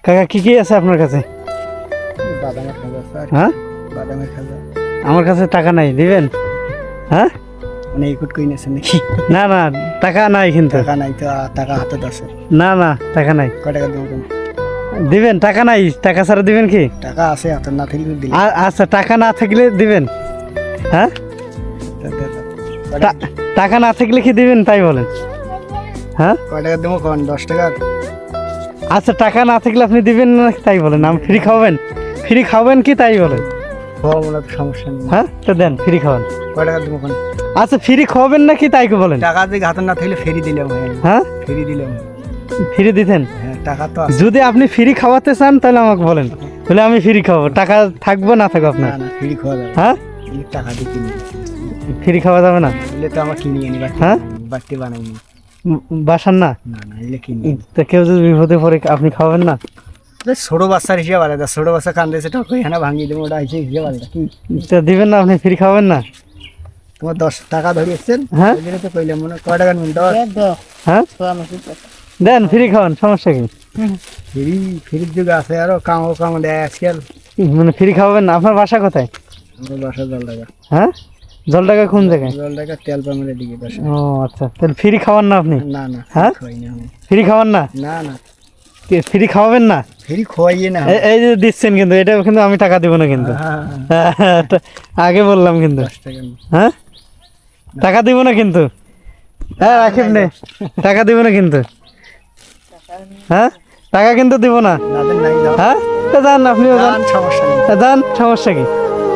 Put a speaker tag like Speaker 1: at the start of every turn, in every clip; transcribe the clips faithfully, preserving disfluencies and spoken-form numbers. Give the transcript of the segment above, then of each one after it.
Speaker 1: কাকা কি কি আছে আপনার কাছে?
Speaker 2: বাদামের খাজা স্যার।
Speaker 1: হ্যাঁ,
Speaker 2: বাদামের খাজা।
Speaker 1: আমার কাছে টাকা নাই, দিবেন? হ্যাঁ,
Speaker 2: মানে ইকুট কই নেছেন নাকি?
Speaker 1: না না টাকা নাই কিন্তু।
Speaker 2: টাকা নাই তো, আ, টাকা হাতত আছে।
Speaker 1: না না টাকা নাই,
Speaker 2: কয় টাকা দেবো কোন?
Speaker 1: দিবেন? টাকা নাই, টাকা ছাড়া দিবেন কি?
Speaker 2: টাকা আছে হাতত, না থাকলে দিলে।
Speaker 1: আ- আচ্ছা টাকা না থাকলে দিবেন? হ্যাঁ, টা- টাকা না থাকলে কি দিবেন তাই বলেন? হ্যাঁ,
Speaker 2: কয় টাকা দেবো কোন? দশ টাকা।
Speaker 1: আচ্ছা টাকা না থাকলে আপনি দিবেন না তাই বলেন? আমি ফ্রি খাওয়াবেন? ফ্রি খাওয়াবেন কি তাই বলেন?
Speaker 2: খাওয়া মনে তো সমস্যা নেই।
Speaker 1: হ্যাঁ, তো দেন ফ্রি খাওয়ান।
Speaker 2: কয় টাকা দেবো কোন?
Speaker 1: আচ্ছা ফ্রি খাওয়াবেন নাকি তাই কি বলেন?
Speaker 2: টাকা যদি হাতত না থাকলে ফেরি দিলাম।
Speaker 1: হ্যাঁ,
Speaker 2: ফেরি দিলাম।
Speaker 1: ফ্রি দিতেন?
Speaker 2: হ্যাঁ, টাকা তো আছে।
Speaker 1: যদি আপনি ফ্রি খাওয়াতে চান তাহলে আমাকে বলেন, তাহলে আমি ফ্রি খাওয়াবো। টাকা থাকবো না থাকবো
Speaker 2: না
Speaker 1: আপনার?
Speaker 2: না, ফেরি খাওয়া যাবে।
Speaker 1: হ্যাঁ,
Speaker 2: এই টাকা দিয়ে কিনি।
Speaker 1: ফ্রি খাওয়া যাবে না?
Speaker 2: এলে তো আমার কিনি আনি বাড়তে।
Speaker 1: হ্যাঁ?
Speaker 2: বাড়তে বানাইনি।
Speaker 1: উম, বাসার না?
Speaker 2: না না, এলে কিনি।
Speaker 1: তা কেউ যদি বিপদে পড়ে আপনি খাওয়াবেন না?
Speaker 2: তো ছোট বাচ্চার হিসেবে আলাদা। ছোট বাচ্চা কান্দেছে, টাকা এখানে ভাঙিয়ে দেবো, ওটা হিসেবে হিসেবে আলাদা। কি
Speaker 1: তা দিবেন না আপনি? ফ্রি খাওয়াবেন না?
Speaker 2: তোমার দশ টাকা ধরিয়েছেন?
Speaker 1: হ্যাঁ?
Speaker 2: ওই জন্য তো কইলাম, মনে হয় কয় টাকা নেবেন? দশ।
Speaker 1: হ্যাঁ, দেন ফ্রি খাওয়ান, সমস্যা কি?
Speaker 2: ফ্রি ফ্রির যুগ আছে, আরো কামো কামো দেয় আজকাল।
Speaker 1: মানে ফ্রি খাওয়াবেন না? আপনার বাসা কোথায়?
Speaker 2: আমার বাসা জল টাকা।
Speaker 1: হ্যাঁ, জল টাকা কোন জায়গায়?
Speaker 2: জল টাকা তেল পামের দিকে বাসা।
Speaker 1: ও আচ্ছা, তাহলে ফ্রি খাওয়ান না আপনি?
Speaker 2: না না,
Speaker 1: হ্যাঁ?
Speaker 2: খাওয়াই না আমি।
Speaker 1: ফ্রি খাওয়ান না?
Speaker 2: না না,
Speaker 1: ফ্রি খাওয়াবেন না?
Speaker 2: ফ্রি খোয়াইয়ে না।
Speaker 1: এ- এই যে দিচ্ছেন কিন্তু, এটা কিন্তু আমি টাকা দিব না কিন্তু।
Speaker 2: হ্যাঁ, হ্যাঁ,
Speaker 1: তা আগে বললাম কিন্তু।
Speaker 2: দশ টাকা না।
Speaker 1: হ্যাঁ, টাকা দিব না কিন্তু। হ্যাঁ রাখিব নে, টাকা দিব না কিন্তু। হ্যাঁ, টাকা কিন্তু দিব না।
Speaker 2: না দেন নাই, দাও।
Speaker 1: হ্যাঁ, তা যান, আপনিও যান।
Speaker 2: যান, সমস্যা নেই।
Speaker 1: তা যান, সমস্যা কি?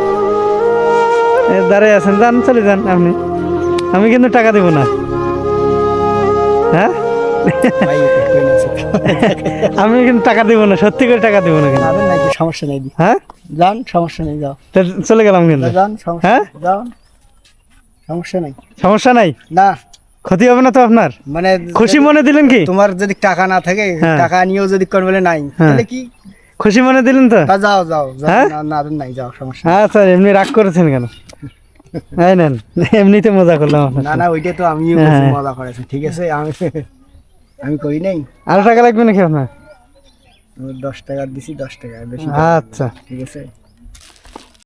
Speaker 1: এ, দাঁড়িয়ে আছেন, যান, চলে যান আপনি। আমি কিন্তু টাকা দিব না। হ্যাঁ,
Speaker 2: ভাই, একটু কই নিয়েছে।
Speaker 1: আমি কিন্তু টাকা দিব না, সত্যি করে টাকা দিব না কিন্তু।
Speaker 2: না দেন নাই, কি সমস্যা নেই।
Speaker 1: হ্যাঁ,
Speaker 2: যান, সমস্যা নেই, যাও।
Speaker 1: তা চলে গেলাম কিন্তু।
Speaker 2: যান, সমস্যা
Speaker 1: হ্যাঁ?
Speaker 2: নেই, যাও। সমস্যা নেই।
Speaker 1: সমস্যা নাই,
Speaker 2: না
Speaker 1: ক্ষতি হবে না তো আপনার?
Speaker 2: মানে
Speaker 1: খুশি মনে দিলেন কি?
Speaker 2: তোমার যদি টাকা না থাকে,
Speaker 1: হ্যাঁ।
Speaker 2: টাকা নিয়েও যদি কোন বলে নাই,
Speaker 1: হ্যাঁ।
Speaker 2: তাহলে কি?
Speaker 1: খুশি মনে দিলেন তো?
Speaker 2: তা যাও যাও যাও।
Speaker 1: হ্যাঁ?
Speaker 2: না না দেন নাই, যাও, সমস্যা নেই।
Speaker 1: হ্যাঁ স্যার, এমনি রাগ করেছেন কেন? এই নেন, এমনিতে মজা করলাম আপনার
Speaker 2: না
Speaker 1: সাথে।
Speaker 2: না, ওইটা তো আমিও
Speaker 1: হ্যাঁ।
Speaker 2: বলছি, মজা করেছে, ঠিক আছে। আমি আমি করি নাই।
Speaker 1: আরো টাকা লাগবে নাকি আপনার?
Speaker 2: দশ টাকা দিছি, দশ টাকা বেশি।
Speaker 1: আচ্ছা,
Speaker 2: ঠিক আছে।